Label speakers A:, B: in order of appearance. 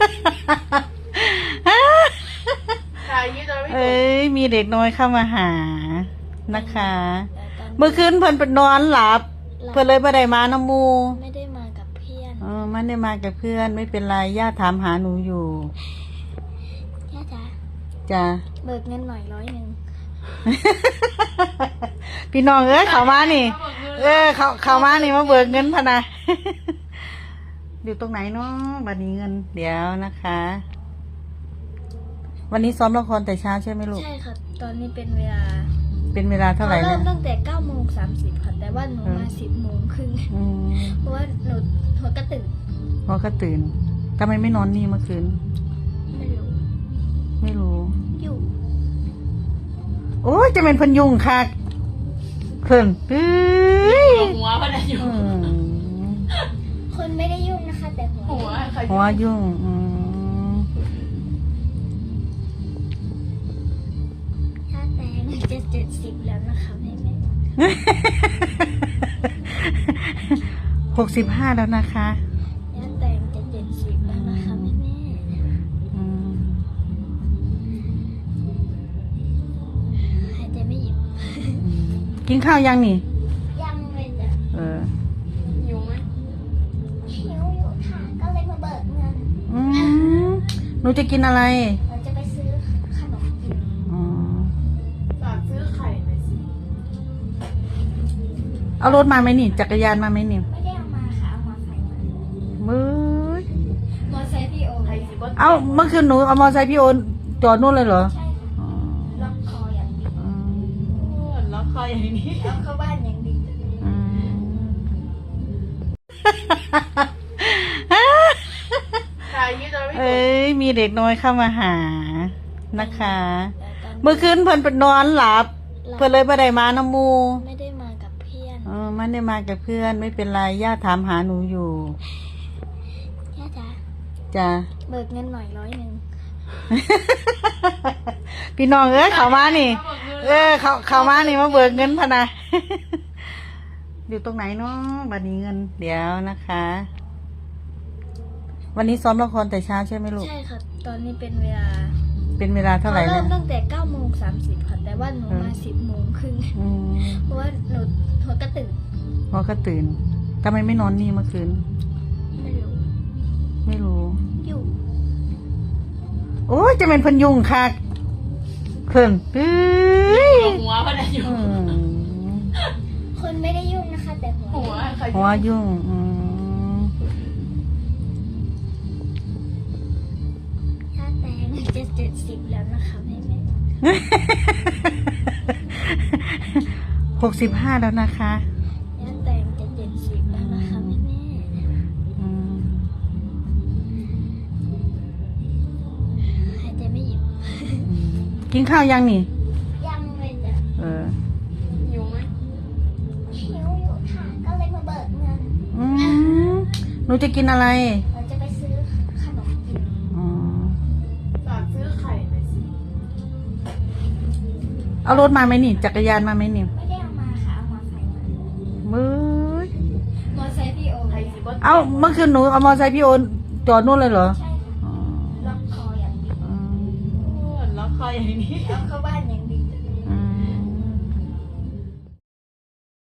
A: เอ้ยมีเด็กน้อยเข้ามาหานะคะ เมื่อคืนเพิ่นไปนอนหลับ เพิ่นเลยไม่ได้มาน้ำมู
B: ไม่ได้มากับเพื่อน
A: ไม่ได้มากับเพื่อนไม่เป็นไรย่าถามหาหนูอยู่
B: ย่าจ๋า
A: จ้ะ
B: เบิกเงินหน่อย100
A: พี่น้องเขามานี่เขามานี่มาเบิกเงินพะนะอยู่ตรงไหนเนาะบัดนี้เงินเดี๋ยวนะคะ วันนี้ซ้อมละครแต่เช้าใช่ไหมลูก
B: ใช่ครับตอนนี้เป็นเวลา
A: เท่าไหร่
B: เริ่
A: เนี่ย
B: มตั้งแต่9:30ค่ะแต่ว่าหนูมา10:30เพราะว่าหนูหัวก็ตื่น
A: พอก็ตื่นทำไมไม่นอนนี่เมื่อคืนไม่รู้
B: อยู่
A: โอ้ยจะเป็นพันยุงค่ะเพิ่น
C: หัวพนันยุง
B: คนไม่ได้ยุ่งนะคะแต่
A: หัวยุ่ง
B: ถ้าแต่งจะ70แล้วนะคะแม่
A: 65แล้วนะคะ
B: ถ้าแต่งจะ70แล้วนะคะแม่หายใจไม่หยุด
A: กินข้าวยังนี่
B: ยังเลยจ้ะ
C: หิวไหม
B: หิวอยู่ค่ะก็เลยมาเบิกเงิน
A: หนูจะกินอะไร
B: เราจะไปซื้อขนมกิน
C: ฝากซื้อไข่หน่อยสิ
A: เอารถมาไหมนี่จักรยานมาไหมนี่
B: ไม่ได้เอามาค่ะเอามาใส่
A: มือ
B: มอไซค์พี่โอ
C: ไข่สิบ
A: เอาเมื่อคืนหนูเอามอไซค์พี่โอนจอดนู่นเลยเหรอ
B: ใช่ล็อกคออย่างดี
C: ล็อกคออย่างนี้
B: ล็อกเข้าบ้านอย่างดี
A: เอ้ยมีเด็กน้อยเข้ามาหานะคะ เมื่อคืนเพิ่นไปนอนหลับ เพิ่นเลยไม่ได้มาน้ำมู
B: ไม่ได้มากับเพื่อน
A: ไม่ได้มากับเพื่อนไม่เป็นไรย่าถามหาหนูอยู่
B: ย่าจ๋า
A: จ้ะ
B: เบิกเงินหน่อย100
A: พี่น้องเขามานี่เขามานี่มาเบิกเงินพะนะอยู่ตรงไหนเนาะบัดนี้เงินเดี๋ยวนะคะ วันนี้ซ้อมละครแต่เช้าใช่ไหมลูก
B: ใช่ครับตอนนี้เป็นเวลา
A: เท่าไหร่
B: เริ่มตั้งแต่9:30ค่ะแต่ว่าหนูมา10:30เพราะว่าหนูหัวก็ตื่น
A: พอก็ตื่นทำไมไม่นอนนี่เมื่อคืนไม่รู้
B: อยู่
A: โอ้ยจะเป็นพันยุงค่ะเพิ่น
C: หัวพนันยุง
B: คนไม่ได้ยุ่งนะคะแต่
C: หัว
A: ยุ่ง
B: ถ้าแต่งจะ70แล้วนะคะแม่
A: 65แล้วนะคะ
B: ถ้าแต่งจะ70แล้วนะคะแม่หายใจไม่หยุด
A: กินข้าวยังนี่
B: ยังเลยจ้ะ
C: หิวไหม
B: หิวอยู่ค่ะก็เลยมาเบิกเงิน
A: หนูจะกินอะไร
B: เราจะไปซื้อขนมกิน
C: ฝากซื้อไข่หน่อยสิ
A: เอารถมาไหมนี่จักรยานมาไหมนี่
B: ไม่ได้เอามาค่ะเอามาใส่
A: มือ
B: มอไซค์พี่โอ
C: ไข่สิบ
A: เอาเมื่อคืนหนูเอามอไซค์พี่โอนจอดนู่นเลยเหรอ
B: ใช่ล็อกคออย่างดี
C: ล็อกคออย่างนี้
B: ล็อกเข้าบ้าน